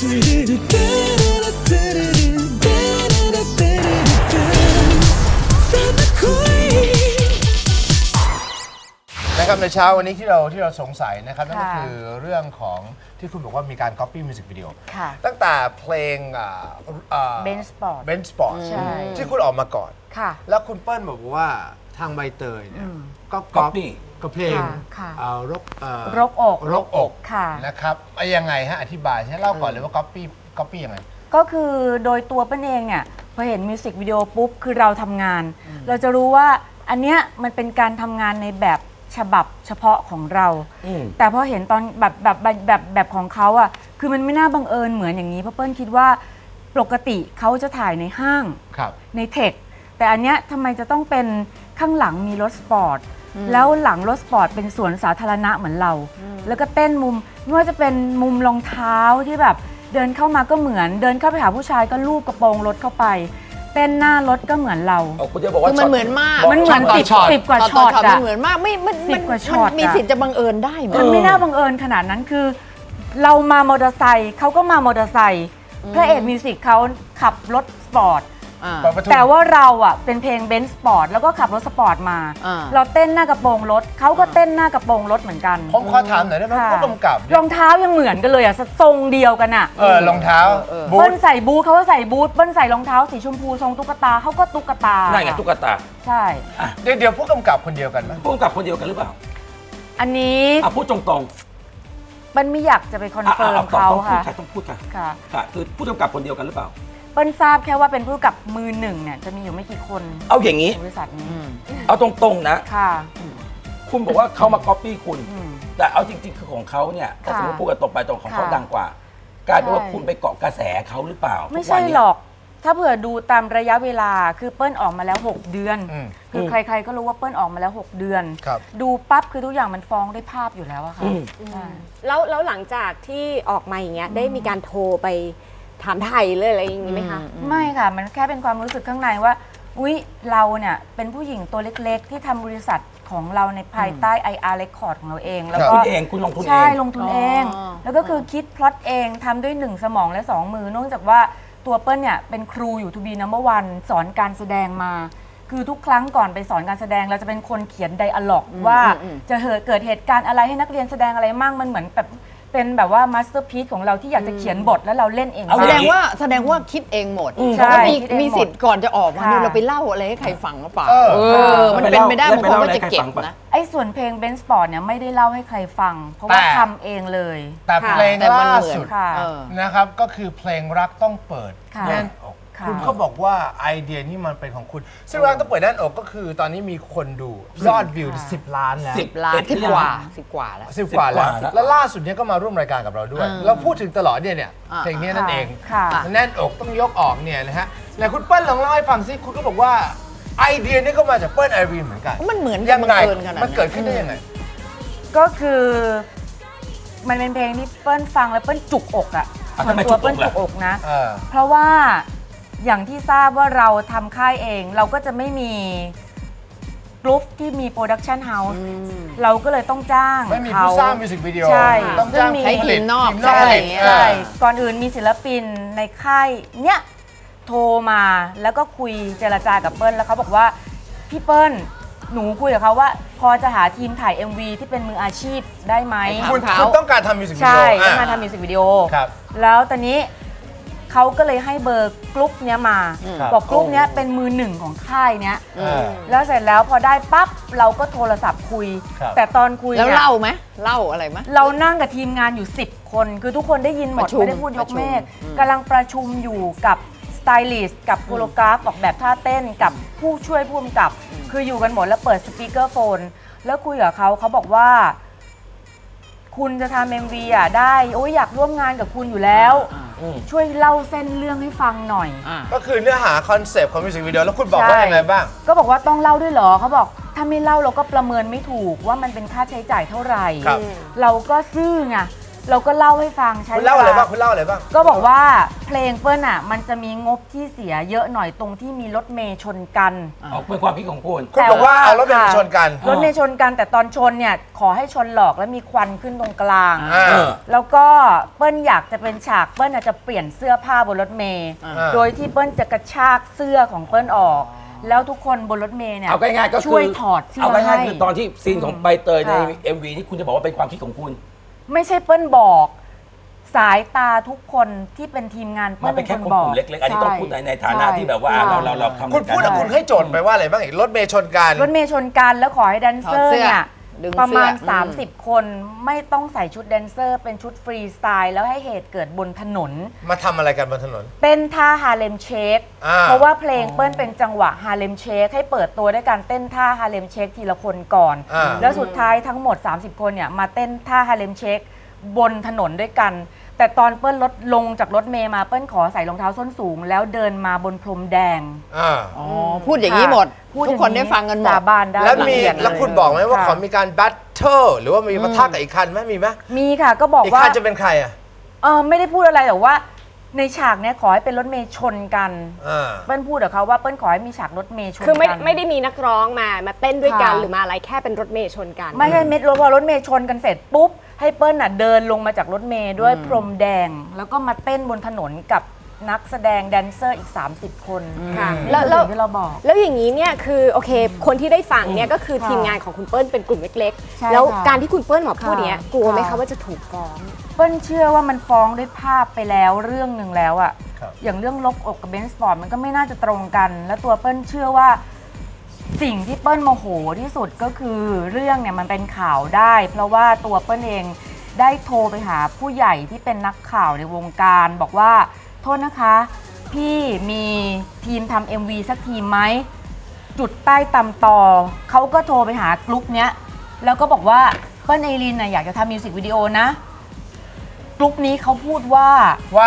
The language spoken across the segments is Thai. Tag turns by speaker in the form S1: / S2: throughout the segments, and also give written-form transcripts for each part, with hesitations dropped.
S1: นะครับในเช้าวันนี้ที่เราสงสัยนะครับนั่นก็คือเรื่องของที่คุณบอกว่ามีการ copy music video ตั้งแต่เพลงBensport ที่คุณออกมาก่อนแล้วคุณเปิ้ลบอกว่าทางใบเตยเนี่ยก็ copy กับเพลงรกอกนะครับยังไงฮะอธิบายให้เล่าก่อนเลยว่า copy ยังไง
S2: ก็คือโดยตัวเปิ้ลเองเนี่ยพอเห็นมิวสิกวิดีโอปุ๊บคือเราทำงานเราจะรู้ว่าอันเนี้ยมันเป็นการทำงานในแบบฉบับเฉพาะของเราแต่พอเห็นตอนแบบของเขาอ่ะคือมันไม่น่าบังเอิญเหมือนอย่างนี้เพราะเปิ้ลคิดว่าปกติเขาจะถ่ายในห้างในเทคแต่อันเนี้ยทำไมจะต้องเป็นข้างหลังมีรถสปอร์ตแล้วหลังรถสปอร์ตเป็นสวนสาธารณะเหมือนเราแล้วก็เต้นมุมไม่ว่าจะเป็นมุมรองเท้าที่แบบเดินเข้ามาก็เหมือนเดินเข้าไปหาผู้ชายก็ลูบกระโปรงรถเข้าไปเต้นหน้ารถก็เหมือนเรา
S3: คุณจะบอกว่า
S4: มันเหมือนมาก
S2: มันเหมือนสิบกว่าช็อต
S4: มันเหมือนมากไม่มันมีสิทธิ์จะบังเอิญได้ไหม
S2: มันไม่น่าบังเอิญขนาดนั้นคือเรามามอเตอร์ไซค์เขาก็มามอเตอร์ไซค์พระเอกมิวสิกเขาขับรถสปอร์ตแต่ว่าเราอ่ะเป็นเพลงเบนซ์สปอร์ตแล้วก็ขับรถสปอร์ตมาเราเต้นหน้ากระโปรงรถเขาก็เต้นหน้ากระโปรงรถเหมือนกัน
S1: ผมขอถามหน่อยได้ไหมผู้กำกับ
S2: รองเท้ายังเหมือนกันเลยอ่ะทรงเดียวกันอ่ะ
S1: รองเท้า
S2: เบิ้ลใส่บูทเขาก็ใส่บูทเบิ้ลใส่รองเท้าสีชมพูทรงตุ๊กตาเขาก็ตุ๊กตา
S3: นั่นไงตุ๊กตา
S2: ใช่
S1: เดี๋ยวผู้กำกับคนเดียวกันไหม
S3: ผู้กำกับคนเดียวกันหรือเปล่า
S2: อันนี้
S3: พูดตรง
S2: ๆมันไม่อยากจะไปคอนเฟิร์มเขาค่ะ
S3: ต้องพูดค่ะคือผู้กำกับคนเดียวกันหรือเปล่า
S2: เปิ้ลทราบแค่ว่าเป็นผู้กำกับมือหนึ่งเนี่ยจะมีอยู่ไม่กี่คน
S3: เอาอย่างนี้
S2: บริษัทนี้
S3: เอาตรงๆนะ
S2: ค่ะ
S3: คุณบอกว่าเขามาก๊อปปี้คุณแต่เอาจริงๆคือของเขาเนี่ยถ้าสมมติพูดกันตรงไปตรงของเขาดังกว่ากลายเป็นว่าคุณไปเกาะกระแสเขาหรือเปล่า
S2: ไม่ใช่หรอกถ้าเผื่อดูตามระยะเวลาคือเปิ้ลออกมาแล้ว6 เดือนคือใครๆก็รู้ว่าเปิ้ลออกมาแล้ว6 เดือนดูปั๊บคือทุกอย่างมันฟ้องด้วยภาพอยู่แล้วอะค่ะ
S5: แล้วหลังจากที่ออกมาอย่างเงี้ยได้มีการโทรไปถามไทยเลยอะไรอย่างนี้ไหมคะ
S2: ไม่ค่ะมันแค่เป็นความรู้สึกข้างในว่าอุ๊ยเราเนี่ยเป็นผู้หญิงตัวเล็กๆที่ทำบริษัทของเราในภายใต้ IR Record ของเราเอง
S3: แล้วก็คุณลงทุนเอง
S2: ใช่ลงทุนเองแล้วก็คือคิดพล็อตเองทำด้วย1 สมองและ 2 มือเนื่องจากว่าตัวเปิ้ลเนี่ยเป็นครูอยู่ To be number one สอนการแสดงมาคือทุกครั้งก่อนไปสอนการแสดงเราจะเป็นคนเขียนไดอะล็อกว่าจะเกิดเหตุการณ์อะไรให้นักเรียนแสดงอะไรมั่งมันเหมือนแบบเป็นแบบว่ามาสเตอร์พีซของเราที่อยากจะเขียนบทแล้วเราเล่นเอง
S4: แสดงว่าคิดเองหมดมีสิทธิ์ก่อนจะออกมาเนี่ยเราไปเล่าอะไรให้ใครฟังหรือเปล่ามันเป็นไม่ได้บางคนก็จะเก็บนะ
S2: ไอ้ส่วนเพลงเบนซ์สปอร์ตเนี่ยไม่ได้เล่าให้ใครฟังเพราะว่าทำเองเลย
S1: แต่เพลงล่าสุดนะครับก็คือเพลงรักต้องเปิดแน่นอกคุณเขาบอกว่าไอเดียนี่มันเป็นของคุณซึ่งรักต้องเปิดแน่นอกก็คือตอนนี้มีคนดูยอดวิว10 ล้านแล้ว
S4: 10 ล้าน10 กว่าแล้ว
S1: แล้วล่าสุดนี้ก็มาร่วมรายการกับเราด้วยเราพูดถึงตลอดเนี่ยเพลงนี้นั่นเองแน่นอกต้องยกออกเนี่ยนะฮะไหนคุณเปิ้ลลองเล่าให้ฟังซิคุณก็บอกว่าไอเดียนี่ก็มาจากเปิ้ลไอรีนเหมือนกัน
S4: มันเหมือน
S1: ยังไงมันเกิดขึ้นได้ยังไง
S2: ก็คือมันเป็นเพลงที่เปิ้ลฟังแล้วเปิ้ลจุกอกอ่ะส่วนตัวเปิ้ลจุกอกนะเพราะว่าอย่างที่ทราบว่าเราทำค่ายเองเราก็จะไม่มีกรุ๊ปที่มีโปรดักชันเฮาส์เราก็เลยต้องจ้าง
S1: ไม่มีผู้สร้างมิวสิกวิดีโอต้องจ้าง
S4: ให้ทีมนอก
S2: ใช่ก่อนอื่นมีศิลปินในค่ายเนี้ยโทรมาแล้วก็คุยเจรจากับเปิ้ลแล้วเขาบอกว่าพี่เปิ้ลหนูคุยกับเขาว่าพอจะหาทีมถ่าย MV ที่เป็นมืออาชีพได้ไหม
S1: คุณต้องการทำมิวสิกวิดีโอ
S2: ใช่ต้องการทำมิวสิกวิดีโอแล้วตอนนี้เขาก็เลยให้เบอร์กรุ๊ปเนี้ยมาบอกกรุ๊ปเนี้ยเป็นมือหนึ่งของค่ายเนี้ยแล้วเสร็จแล้วพอได้ปั๊บเราก็โทรศัพท์คุยแต่ตอนคุย
S4: แล้วเล่าไหมเล่าอะไรไหม
S2: เรานั่งกับทีมงานอยู่10 คนคือทุกคนได้ยินหมดไม่ได้พูดยกเมฆกำลังประชุมอยู่กับสไตลิสต์กับโคโรกราฟออกแบบท่าเต้นกับผู้ช่วยผู้กำกับคืออยู่กันหมดแล้วเปิดสปีกเกอร์โฟนแล้วคุยกับเขาบอกว่าคุณจะทำ MV อ่ะได้โอ้ยอยากร่วมงานกับคุณอยู่แล้วช่วยเล่าเส้นเรื่องให้ฟังหน่อย
S1: ก็คือเนื้อหาคอนเซปต์ของมิวสิกวิดีโอแล้วคุณบอกว่ายังไงบ้าง
S2: ก็บอกว่าต้องเล่าด้วยเหรอเขาบอกถ้าไม่เล่าเราก็ประเมินไม่ถูกว่ามันเป็นค่าใช้จ่ายเท่าไหร่เราก็ซื่อไงเราก็เล่าให้ฟังใช้
S1: คุณเล่าอะไรบ้างคุณเล่าอะไรบ้าง
S2: ก็บอกว่าเพลงเปิ้ลอ่ะมันจะมีงบที่เสียเยอะหน่อยตรงที่มีรถเมย์ชนกัน
S3: ออกเป็นความคิดของคุณ
S1: คุณบอกว่าเอารถเมล์มาชนกัน
S2: รถเมย์ชนกันแต่ตอนชนเนี่ยขอให้ชนหลอกแล้วมีควันขึ้นตรงกลาง
S1: อ่า
S2: แล้วก็เปิ้ลอยากจะเป็นฉากเปิ้ลอาจจะเปลี่ยนเสื้อผ้าบนรถเมย์
S1: อ่า
S2: โดยที่เปิ้ลจะกระชากเสื้อของเปิ้ลออก แล้วทุกคนบนรถเมย์เนี่ย
S3: เอาง่ายๆก็คือ
S2: ช่วยถอดเสื้อ
S3: เอาง่าย
S2: ให้
S3: ๆคือตอนที่ซีนของใบเตยใน
S2: ค่ะ
S3: MV นี่คุณจะบอกว่าเป็นความคิดของคุณ
S2: ไม่ใช่เปิ้ลบอกสายตาทุกคนที่เป็นทีมงาน
S3: มั
S2: เปิ้
S3: น
S2: ล
S3: เป็นแค่
S2: ค
S3: คน
S2: บ
S3: ก
S2: อก
S3: ลุ่มเล็กๆ อันนี้ต้องพูดในฐานะ
S2: ใช่
S3: ที่แบบว่า
S2: ใช่
S3: เราทำ
S1: คุณพูดแล้วคุณให้โจทย์ไปว่าอะไรบ้างอีกรถเมย์ชนกัน
S2: รถเมย์ชนกันแล้วขอให้แดนเซอร์เนี่ย
S4: ดึงเสื้อ
S2: ประมาณ
S4: อืม
S2: 30 คนไม่ต้องใส่ชุดแดนเซอร์เป็นชุดฟรีสไตล์แล้วให้เหตุเกิดบนถนน
S1: มาทำอะไรกันบนถนน
S2: เต้นท่าฮาเลมเชค
S1: อ่า
S2: เพราะว่าเพลงเปิ้ลเป็นจังหวะฮาเลมเชคให้เปิดตัวด้วยการเต้นท่าฮาเลมเชคทีละคนก่อน
S1: อ่า
S2: แล้วสุดท้ายทั้งหมด 30 คนเนี่ยมาเต้นท่าฮาเลมเชคบนถนนด้วยกัน แต่ตอนเปิ้ลลงจากรถเมย์มาเปิ้ลขอใส่รองเท้าส้นสูง แล้วเดินมาบนพรมแดง
S1: อ่า
S4: อ๋อพูดอย่างนี้หมด
S2: พูด
S4: ทุกคนได้ฟังกันหมด
S2: สาบานได้
S1: แล้วมี
S2: ละเอียดเย
S1: แล้วคุณบอกไหมว่า
S2: ค่ะ
S1: ขอมีการแบทเทิลหรือว่ามีปะทะกับอีกคันไหมมีไหม
S2: มีค่ะก็บอก
S1: อีก
S2: ว่า
S1: คันจะเป็นใครอ่ะ
S2: ไม่ได้พูดอะไรแต่ว่า ในฉากเนี้ยขอให้เป็นรถเมย์ชนกัน
S1: อ่า
S2: เปิ้ลพูดกับเขาว่าเปิ้ลขอให้มีฉากรถเมย์ชนกัน
S5: คือไม่ได้มีนักร้องมาเต้นด้วยกัน
S2: ค่ะ
S5: หรือมาอะไรแค่เป็นรถเมย์ชนกัน
S2: ไม่ใช่เม็ดรถพอรถเมย์ชนกันเสร็จปุ๊บให้เปิ้ลน่ะเดินลงมาจากรถเมย์ด้วยพรมแดง แล้วก็มาเต้นบนถนนกับนักแสดงแดนเซอร์อีก 30 คน
S5: ค่ะ
S2: นี่
S5: แล้ว
S2: คือสิ่งที่เราบอก
S5: แล้วอย่างนี้เนี่ยคือโอเค คนที่ได้ฟังเนี่ยก็คือ
S2: ค่ะ
S5: ทีมงานของคุณเปิ้ลเป็นกลุ่มเล็ก
S2: ใช่
S5: ๆ แล้ว
S2: ค่ะ
S5: การที่คุณเปิ้ลมาพูดเนี้ย
S2: ค่ะ
S5: กลัวไหม
S2: ค่ะ
S5: คะว่าจะถูกฟ้อง
S2: เปิ้ลเชื่อว่ามันฟ้องด้วยภาพไปแล้วเรื่องหนึ่งแล้วอะ
S1: ครับ
S2: อย่างเรื่องลบอกกับเบนซ์สปอร์ตมันก็ไม่น่าจะตรงกัน แล้วตัวเปิ้ลเชื่อว่าสิ่งที่เปิ้ลโมโหที่สุดก็คือเรื่องเนี่ยมันเป็นข่าวได้ เพราะว่าตัวเปิ้ลเองได้โทรไปหาผู้ใหญ่ที่เป็นนักข่าวในวงการบอกว่าโทษนะคะ พี่มีทีมทำ MV สักทีมไหม จุดใต้ตำต่อเขาก็โทรไปหากลุ่มเนี้ยแล้วก็บอกว่าเปิ้ลไอรินน่ะอยากจะทำมิวสิกวิดีโอนะกลุ่มนี้เขาพูดว่า
S1: ว่า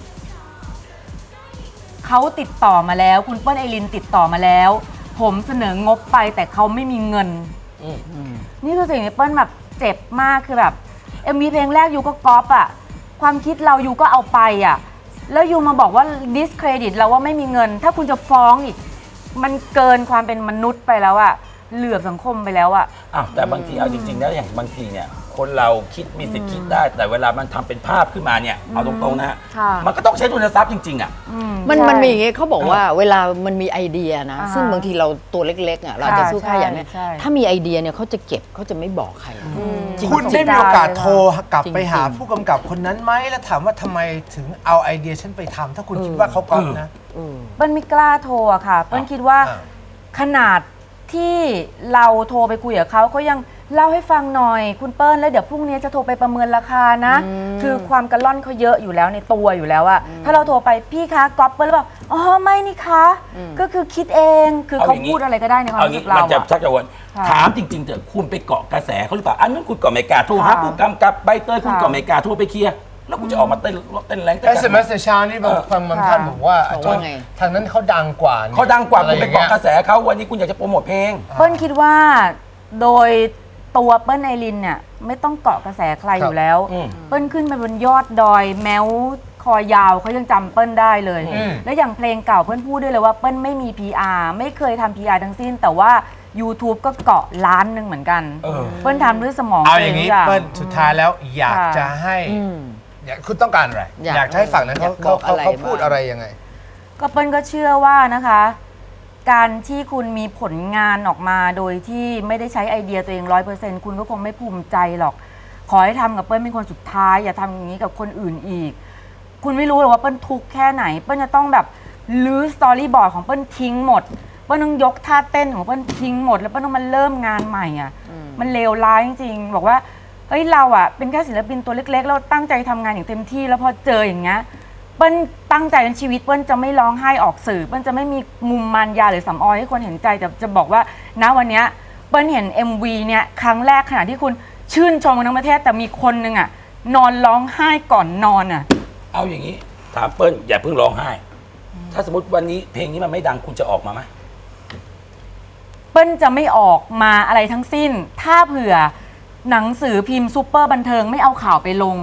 S2: เขาติดต่อมาแล้ว คุณเปิ้ลไอรินติดต่อมาแล้ว ผมเสนองบไปแต่เขาไม่มีเงิน นี่คือสิ่งที่เปิ้ลแบบเจ็บมากคือแบบ MV เพลงแรกยูก็ก๊อปอะความคิดเรายูก็เอาไปอะแล้วยูมาบอกว่า discredit เราว่าไม่มีเงิน ถ้าคุณจะฟ้องอีก มันเกินความเป็นมนุษย์ไปแล้วอะเหลือบสังคมไปแล้วอะ
S3: อ้าวแต่บางทีเอาจริงๆแล้วอย่างบางทีเนี่ยคนเราคิดมีสิทธิ์คิดได้ แต่เวลามันทำเป็นภาพขึ้นมาเนี่ยเอาตรงๆนะฮะ
S2: ค่ะ
S3: มันก็ต้องใช้ทุนทรัพย์จริงๆอ่ะ
S4: มัน
S2: ใช่
S4: มีอย่างงี้เขาบอกว่าเวลามันมีไอเดียนะ
S2: อ่าฮะ
S4: ซึ่งบางทีเราตัวเล็กๆอ่ะเราจะสู้ค่าอย่างเนี้ย
S2: ใช่
S4: ถ้ามีไอเดียเนี่ยเขาจะเก็บเขาจะไม่บอกใคร จริง
S1: คุณได้มีโอกาสโทรกลับ
S4: จริงๆ
S1: ไปหาผู้กำกับคนนั้นไหมแล้วถามว่าทำไมถึงเอาไอเดียฉันไปทำถ้าคุณคิดว่าเขาก๊อปนะ
S2: เปิ้ลไม่กล้าโทรอะค่ะ เปิ้ลคิดว่า
S1: อ่า
S2: ขนาดที่เราโทรไปคุยกับเขายังเล่าให้ฟังหน่อย คุณเปิ้ลแล้วเดี๋ยวพรุ่งนี้จะโทรไปประเมินราคานะ คือความกระล่อนเขาเยอะอยู่แล้วในตัวอยู่แล้วอะถ้าเราโทรไปพี่คะก๊อปเปิ้ลหรือเปล่าอ๋อไม่นี่คะก็คือคิดเองคือเขาพูดอะไรก็ได้ในความ
S3: เอา
S2: รู้สึ
S3: งี้
S2: กเรา
S3: มันจะ
S2: อะ
S3: ชักจะวน
S2: ค่ะ
S3: ถามจริงๆเถอะคุณไปเกาะกระแสเขาหรือเปล่าอันนั้นคุณก็ไม่กล้าโทรหา
S2: ค่ะ
S3: ผู้กำกับใบเตยคุณ
S2: ค่ะ
S3: ก็ไม่กล้าโทรไปเคลียร์แล้วคุณจะออกมาเต้นแรงเต้น
S1: SMS ในเช้านี่บางท่านบอกว่า
S4: บอกว่าไง
S1: ทางนั้นเขาดังกว่านี่
S3: เขาดังกว่า
S1: อะไร
S3: คุณไป
S1: อย่างเงี้
S3: เกาะ
S1: ย
S3: กระแสเขาวันนี้คุณอยากจะโปรโมทเพลง
S2: เปิ้ลคิดว่าโดยตัวเปิ้ลไอรินเนี่ยไม่ต้องเกาะกระแสใครอยู่แล้ว
S3: อืม
S2: เปิ้ลขึ้นไปบนยอดดอยแม้วคอยาวเขายังจำเปิ้ลได้เลย
S1: อืม
S2: และอย่างเพลงเก่าเปิ้ลพูดด้วยเลยว่าเปิ้ลไม่มี PR ไม่เคยทำ PR ทั้งสิ้น แต่ว่า YouTube ก็เกาะล้านหนึ่งเหมือนกัน เปิ้ลทำด้วยสมอง
S1: เอาอย่างนี้
S2: นี้
S1: เปิ้ลสุดท้ายแล้วอยาก
S2: ค่ะ
S1: จะให้อยากคุณต้องการอะไร อยากจะให้ฝั่งนั้น
S4: อยาก
S1: เขา
S4: บอกอะไร
S1: เขาพูด
S4: บ้าง
S1: อะไรยังไง
S2: ก็เปิ้ลก็เชื่อว่านะคะ การที่คุณมีผลงานออกมาโดยที่ไม่ได้ใช้ไอเดียตัวเอง100%คุณก็คงไม่ภูมิใจหรอก ขอให้ทำกับเปิ้ลเป็นคนสุดท้าย อย่าทำอย่างนี้กับคนอื่นอีก คุณไม่รู้หรอกว่าเปิ้ลทุกข์แค่ไหน เปิ้ลจะต้องแบบลื้อสตอรี่บอร์ดของเปิ้ลทิ้งหมด เปิ้ลต้องยกท่าเต้นของเปิ้ลทิ้งหมด แล้วเปิ้ลต้องมาเริ่มงานใหม่อ่ะ มันเลวร้ายจริงๆ บอกว่าเฮ้ยเราอ่ะเป็นแค่ศิลปินตัวเล็กๆ เราตั้งใจทำงานอย่างเต็มที่ แล้วพอเจออย่างเงี้ย เปิ้ลตั้งใจในชีวิตเปิ้ลจะไม่ร้องไห้ออกสื่อ เปิ้ลจะไม่มีมุมมารยาหรือสำออยให้คนเห็นใจแต่จะบอกว่าณวันเนี้ยเปิ้ลเห็น MV เนี่ยครั้งแรกขณะที่คุณชื่นชมกันทั้งประเทศแต่มีคนนึงอ่ะนอนร้องไห้ก่อนนอนอ่ะ
S3: เอาอย่างนี้ถามเปิ้ลอย่าเพิ่งร้องไห้ ถ้าสมมติวันนี้เพลงนี้มันไม่ดังคุณจะออกมาไหม
S2: เปิ้ลจะไม่ออกมาอะไรทั้งสิ้น ถ้าเผื่อหนังสือพิมพ์ซูเปอร์บันเทิงไม่เอาข่าวไปลง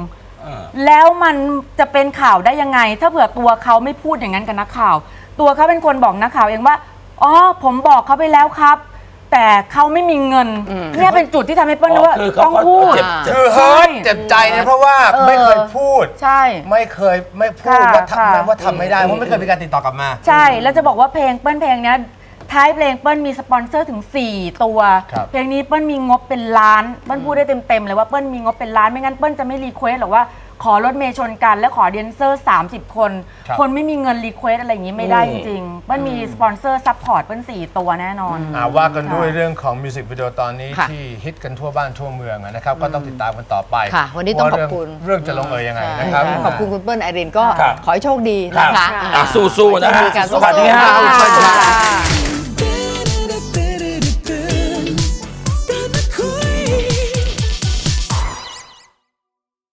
S2: แล้วมันจะเป็นข่าวได้ยังไง ถ้าเผื่อตัวเขาไม่พูดอย่างนั้นกับนักข่าว ตัวเขาเป็นคนบอกนักข่าวเองว่าอ๋อผมบอกเขาไปแล้วครับ แต่เขาไม่มีเงินเนี่ยเป็นจุดที่ทำให้เปิ้ลรู้ว่าต้องพูด
S1: คือเฮิร์ตเจ็บใจนะเพราะว่าไม่เคยพูด
S2: ใช่
S1: ไม่พูดว่าทำไม่ได้เพราะไม่เคยมีการติดต่อกลับมา
S2: ใช่แล้วจะบอกว่าเพลงเนี้ยท้ายเพลงเปิ้ลมีสปอนเซอร์ถึง 4 ตัว
S1: ครับ
S2: เพลงนี้เปิ้ลมีงบเป็นล้านเปิ้ลพูดได้เต็มๆเลยว่าเปิ้ลมีงบเป็นล้านไม่งั้นเปิ้ลจะไม่รีเควสหรอกว่าขอรถเมย์ชนกันและขอแดนเซอร์30 คน คนไม่มีเงินรีเควสอะไรอย่างนี้ไม่ได้จริงๆเปิ้ลมีสปอนเซอร์ซัพพอร์ตเปิ้ล4 ตัวแน่นอน
S1: ว่ากันด้วยเรื่องของมิวสิกวิดีโอตอนนี้
S4: ค่ะ
S1: ที่ฮิตกันทั่วบ้านทั่วเมืองนะครับ ก็ต้องติดตามกันต่อไป
S4: ค่ะวันนี้ต้องขอบคุณ
S1: เรื่องจะลงเอยยังไงนะครับ
S4: ขอบคุณคุณเปิ้ลไอรินก็
S3: ครับ
S4: ขอให้โชคดีนะคะ
S3: สู้ๆนะฮะ
S4: ขอให้โชคดีกัน
S3: สวัสดีครับ
S4: สวัสดีค่ะ